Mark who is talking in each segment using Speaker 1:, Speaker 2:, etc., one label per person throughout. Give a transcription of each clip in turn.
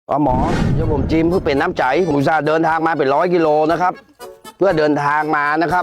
Speaker 1: หมอเดี๋ยวผมจิมเพื่อเป็นน้ำใจผมอุตส่าห์เดินทางมาเป็น100 กิโลนะครับ เพื่อเดินทางมานะครับ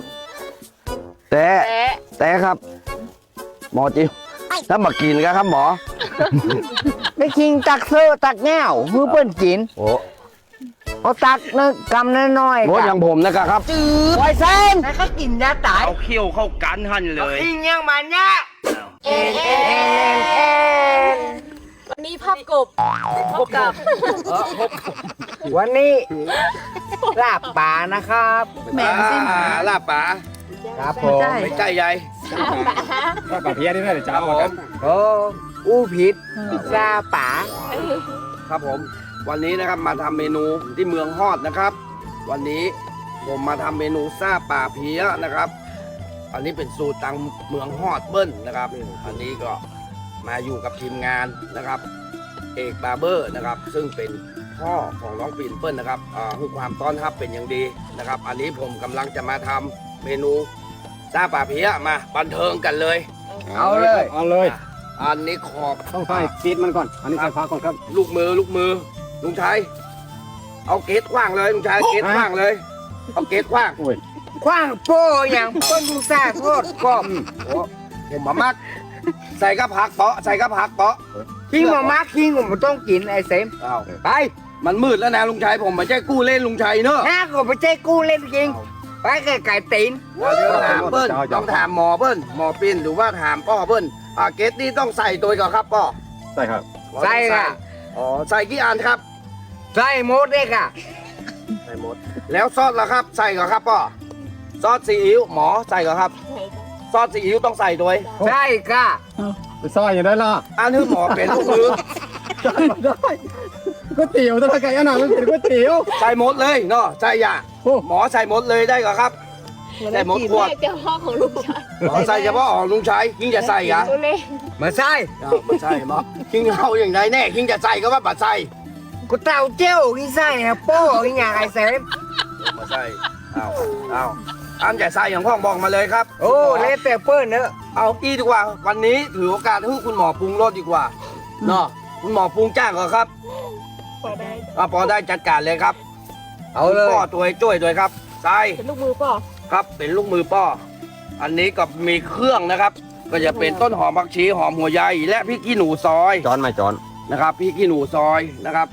Speaker 1: แต่ครับ หมอจิมถ้ามากินกันครับหมอ
Speaker 2: ไปกินตักเสื้อตักแง่วมือเปิ้นกิน
Speaker 1: โอ้
Speaker 2: เอาตักนึกกำน้อยๆ
Speaker 1: โหอย่างผมนะครับ
Speaker 2: จืดไวเส้นแล้วก็กินยาตาย
Speaker 1: เอาเขี้ยวเข้ากันหั่นเลย
Speaker 2: กินยังมันเนี่ยเอ็น
Speaker 3: วันนี้ภาพกบพบกับ
Speaker 2: วันนี้ลาบป่านะครับ
Speaker 3: แหม่สิ
Speaker 1: ลาบป๋า
Speaker 2: ครับผม
Speaker 1: ไม่ใช่ใหญ่
Speaker 4: ถ้ากับเพี้ยนี่ได้เดี๋ยวจะเอากัน
Speaker 2: โอ้อู้ผิดพิซซ่าป่า
Speaker 1: ครับผม วันนี้นะครับมาทำเมนูที่เมืองฮอดนะครับ วันนี้ผมมาทำเมนูซ่าป่าเพี้ยนะครับ อันนี้เป็นสูตรตังเมืองฮอดเบิ้ลนะครับ อันนี้ก็มาอยู่กับทีมงานนะครับ เอกบาร์เบอร์นะครับ ซึ่งเป็นพ่อของน้องปิ่นเปิ้ลนะครับให้ความต้อนรับเป็นอย่างดีนะครับ อันนี้ผมกำลังจะมาทำเมนูซ่าป่าเพี้ยมาบันเทิงกันเลย
Speaker 2: เอาเลย
Speaker 4: เอาเลย
Speaker 1: อันนี้ขอบ
Speaker 4: ต้องใส่ซีดมันก่อน อันนี้ใส่ฟ้าก่อนครับ
Speaker 1: ลูกมือลุงชัยเอาเกตขว้างเลยลุงชัยเกตขว้างเลยเอาเกตขว้าง
Speaker 4: โอ้ย
Speaker 2: คว้างโป้อย่างเปิ้นพิซซ่าโทษกรอบ
Speaker 1: โอ้ผมมามักใส่กระผักเปาะใส่กระผักเปาะ
Speaker 2: คิงมามาคิงผมต้องกินไอ้เสม
Speaker 1: อ้าว
Speaker 2: ไป
Speaker 1: มันมืดแล้วนะลุงชัยผมไม่ใช่กู้เล่นลุงชัยเนอะ
Speaker 2: ห้าก็ไปเจ๊กู้เล่นจริงไปไก่ตีน
Speaker 1: เดี๋ยวถามเบิ้ลต้องถามหมอเบิ้ลหมอปิ่นหรือว่าถามพ่อเบิ้ลเกตนี่ต้องใส่ตัวก่อนครับพ่อ
Speaker 4: ใส่ครับ
Speaker 2: ใส่ค่ะ
Speaker 1: อ๋อใส่กี่อันครับ
Speaker 2: ใส่หมดเลยค่ะ
Speaker 1: ใส่หมดแล้วซอสล่ะครับ ใส่ก่อนครับพ่อซอสซีอิ๊วหมอใส่ก่อนครับซอสซีอิ๊วต้องใส่ด้วย
Speaker 2: ใช่ค่ะ
Speaker 4: ไปซอยอย่างได้ล่ะ
Speaker 1: อันนี้หมอเป็นลูกมือ
Speaker 4: ได้ก๋วยเตี๋ยวถ้าไก่อันนั้นมันเป็นก๋วยเตี๋ยว
Speaker 1: ใส่หมดเลยเนาะใส่ยา
Speaker 4: โอ้
Speaker 1: หมอใส่หมดเลยได้ก่อนครับ ใส่หมดขวด
Speaker 3: เจ้าพ่อของลูกชาย
Speaker 1: หมอใส่เฉพาะของลุงชัยคิงจะใส่เหรอ
Speaker 3: ตัวเล็ก
Speaker 2: มาใส่
Speaker 1: ไม่ใช่หมอคิงเอาอย่างไรแน่คิงจะใส่ก็ว่าบัดใส่
Speaker 2: กูเต่าเจ้าที่ใส่นะโป้ที่อย่างไอ้เสม
Speaker 1: มาใส่เอาอันจะใส่อย่างพ่อบอกมาเลยครับ
Speaker 2: โอ้เล่แต่เปิ้ลเนอะ
Speaker 1: เอาอีดีกว่า วันนี้ถือโอกาสให้คุณหมอปรุงรสดีกว่าเนาะคุณหมอปรุงจ้างก่อนครับ
Speaker 3: พอได้
Speaker 1: พอได้จัดการเลยครับ
Speaker 2: เอาเลย
Speaker 1: ป้อตัวช่วยด้วยครับใส่
Speaker 3: เป็นลูกมือป่อ
Speaker 1: ครับเป็นลูกมือป้อ อันนี้ก็มีเครื่องนะครับ ก็จะเป็นต้นหอมผักชีหอมหัวใหญ่และพริกขี้หนูซอย
Speaker 4: จอนมาจอน
Speaker 1: นะครับพริกขี้หนูซอยนะครับ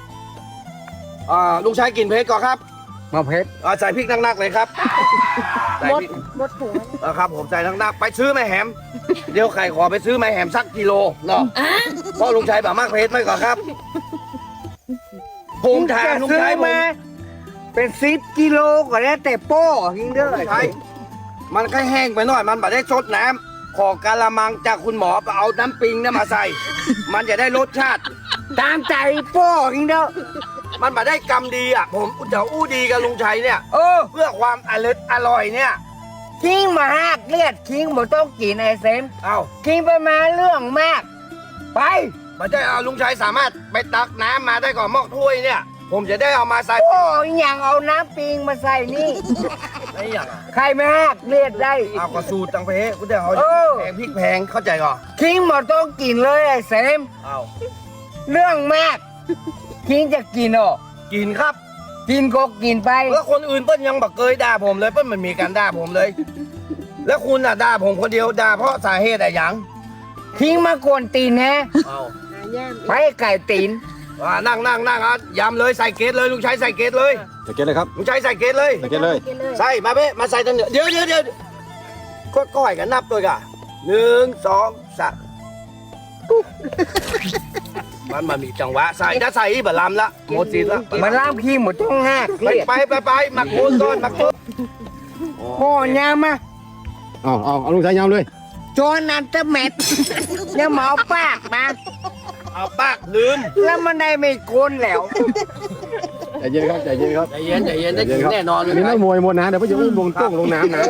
Speaker 1: ลุงชายกินเผ็ดก่อนครับ
Speaker 2: มาเพชร
Speaker 1: ใส่พริกนักๆเลยครับใส่
Speaker 3: มด
Speaker 1: พริก
Speaker 3: มดถุง
Speaker 1: ครับผมใส่นักๆไปซื้อแม่แหมเดี๋ยวใครขอไปซื้อแม่แหมสักกิโลเนาะเพราะลุงชายแบบมากเผ็ดไหมก่อนครับผมถามลุง
Speaker 2: ซื้อ
Speaker 1: ชายผม
Speaker 2: มาเป็น10 กิโลก็แล้วแต่โป้ยิงเด้อ
Speaker 1: ลุงชายมันแค่แห้งไปหน่อยมันไม่ได้ซดน้ำขอกะละมังจากคุณหมอไปเอาน้ำปิงเนี่ยมาใส่ มันจะได้รสชาติ
Speaker 2: ตามใจโป้ยิงเด้อ
Speaker 1: มันมาได้กรรมดีอ่ะผมเดี๋ยวอู้ดีกับลุงชัยเนี่ย
Speaker 2: โอ้
Speaker 1: เพื่อความอร่อยเนี่ย
Speaker 2: คิงมาหักเลือดคิงบ่ต้องกินไอ้เสม
Speaker 1: เอา
Speaker 2: คิงไปมาเรื่องมาก ไป
Speaker 1: ไม่ใช่เอาลุงชัยสามารถไปตักน้ำมาได้ก่อนหม้อถ้วยเนี่ย ผมจะได้เอามาใส่
Speaker 2: โอ้ยอย่างเอาน้ำปิงมาใส่นี่
Speaker 1: ไม่อย่างอ่ะ
Speaker 2: ใครไม่หักเลือดได้
Speaker 1: เอากระสูตรตังเพกูจะเอา
Speaker 2: เออ
Speaker 1: แพงพริกแพงเข้าใจก่อน
Speaker 2: คิงบ่ต้องกินเลยไอ้เสม
Speaker 1: เอา
Speaker 2: เรื่องมาก คิงจะกินอ่ะ
Speaker 1: กินครับ
Speaker 2: กินก็กินไป
Speaker 1: แล้วคนอื่นเปิ้ลยังบอกเคยด่าผมเลยเปิ้ลมันมีการด่าผมเลย แล้วคุณอ่ะด่าผมคนเดียวด่าเพราะสาเหตุอะไรหยัง
Speaker 2: คิงมากวนตีนแฮะ
Speaker 1: เอา
Speaker 2: ไปไก่ตีน
Speaker 1: นั่งยำเลยใส่เกตเลยลุงชัยใส่เกตเลย
Speaker 4: ใส่เกล็ดเลยครับ
Speaker 1: ลุงชัยใส่เกตเลย
Speaker 4: ใส่เกล็ดเลย
Speaker 1: ใส่มาเบ้มาใส่ตันเดี๋ยวก็ก้อยกันนับตัวกัน1 2 3มันมีจังหวะใส่ถ้าใส่บะลำละหมดสิทธิ์ละ
Speaker 2: มันล่ามคิงหมดต้องหัก
Speaker 1: ไป
Speaker 2: เลือด
Speaker 1: ไปหมักโคนก่อนหมักโคน
Speaker 2: โอ้ยามา
Speaker 4: เอาลุงชายยำเลย
Speaker 2: จอนนันเตอร์เม็ดเนี่ยหมอปากมา
Speaker 1: เอาปากลืม
Speaker 2: แล้วมันได้ไม่โกนแล้ว
Speaker 4: ใจเย็นครับใจเย็นครับ
Speaker 1: ใจเย็นได้กินแน่นอนเลย
Speaker 4: มีนักมวยหมดนะเดี๋ยวพ่อจะอุ้มลงต้งลงน้ำนะ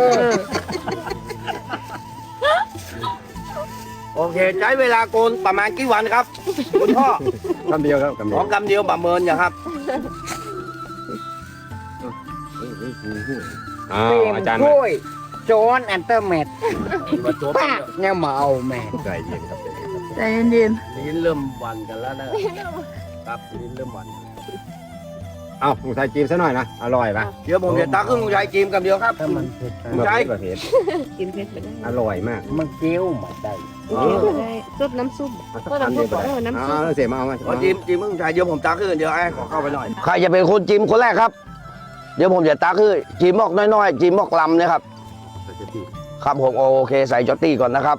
Speaker 1: โอเคใช้เวลาโกนประมาณกี่วันครับคุณพ่อ
Speaker 4: คำเดียวครับคำ
Speaker 1: ข
Speaker 4: เดีย
Speaker 1: อ
Speaker 4: ว
Speaker 1: กำเดียวประเมินอย่างครับ
Speaker 4: อาจารย์
Speaker 2: ช่วยจอนอันเตอร์เม็ดปากเนี่ยหมาเอาแม่
Speaker 4: ใจเย็นครับ
Speaker 3: ใจเย็น
Speaker 1: ลิ้นเริ่มวันกันแล้วนะครับลิ้นเริ่มหวาน
Speaker 2: เอาลุงชายจิ้มซะหน่อยนะอร่อยปะ
Speaker 1: เดี๋ยวผมจะตักให้ลุงชายกินกันเดียวครับ
Speaker 2: ถ้ามันเผ็ด
Speaker 1: ลุงชาย
Speaker 2: เผ็ด
Speaker 3: กินเผ็ดไปได้
Speaker 2: อร่อยมากมันเกี๊ยวมาได้
Speaker 3: กินเผ็ดไปได้ซุปน้ำซุปก็น้ำซุปน้ำซุป
Speaker 2: เอาเสียมาเอามา
Speaker 1: ขอจิ้มลุงชายเดี๋ยวผมตักให้เดี๋ยวไอ้ขอเข้าไปหน่อยใครจะเป็นคนจิ้มคนแรกครับ เดี๋ยวผมจะตักให้จิ้มหมอกน้อยๆจิ้มหมอกลำนะครับ ครับผมโอเคใส่จอตตี้ก่อนนะครับ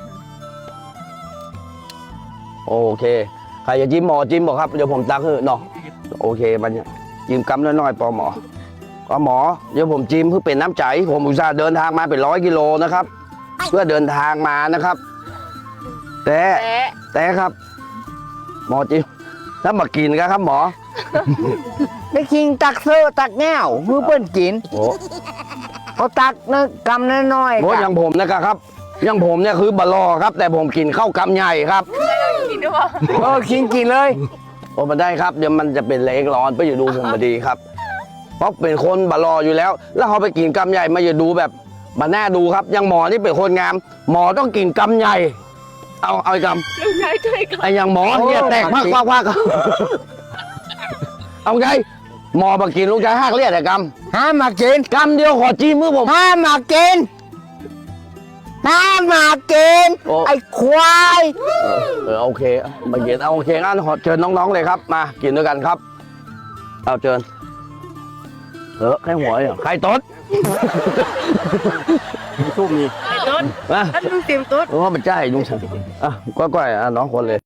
Speaker 1: โอเคใครจะจิ้มหมอจิ้มบอกครับเดี๋ยวผมตักให้เนาะโอเคมันเนี่ยจิ้มกำน้อยๆปอหมอก็หมอเดี๋ยวผมจิ้มเพื่อเป็นน้ำใจผมอุตส่าห์เดินทางมาเป็น100 กิโลนะครับ เพื่อเดินทางมานะครับแต่ครับ หมอจิ้มถ้ามากินกันครับหมอ
Speaker 2: ไม่คิงตักเสื้อตักแง่วมือเปิ้นกิน
Speaker 1: โอ้
Speaker 2: เขาตักนะกำน้อย
Speaker 1: โหอย่างผมนะครับอย่างผมเนี่ยคือบะลอครับ แต่ผมกินข้าวกำใหญ่ครับ
Speaker 3: กินด้วย
Speaker 2: คิงกินเลย
Speaker 1: โอ้มาได้ครับเดี๋ยวมันจะเป็นเล็กร้อนไปอยู่ดูผมพอดีครับ เพราะเป็นคนบะลออยู่แล้ว แล้วเขาไปกินกำใหญ่มาอยู่ดูแบบมาแน่ดูครับอยังหมอนี่เป็นคนงาม หมอต้องกินกำใหญ่ เอาไอ้ก
Speaker 3: ลูกชายช่วยกัน
Speaker 1: ำไอ้อย่างหมอเนี่ยแตกมากเอาไงหมอมากินลูกชายหักเลียดแต่ก
Speaker 2: ห้ามมากิน
Speaker 1: ำกำเดียวขอจี้มือผม
Speaker 2: ห้ามมากินห้ามมากิน
Speaker 1: โอ้
Speaker 2: ไอ้ควาย
Speaker 1: โอเคมากินเอาโอเคงั้นขอเชิญน้องๆเลยครับ มากินด้วยกันครับเอาเชิญแค่หัวเหรอใครตด
Speaker 2: สู้มี
Speaker 3: ไอ้ต้น
Speaker 1: มา
Speaker 3: ท่านลุงเตรียมต้น
Speaker 1: โอ้มันใช่ลุงชันอ่ะก้อยๆอ่ะน้องคนเลย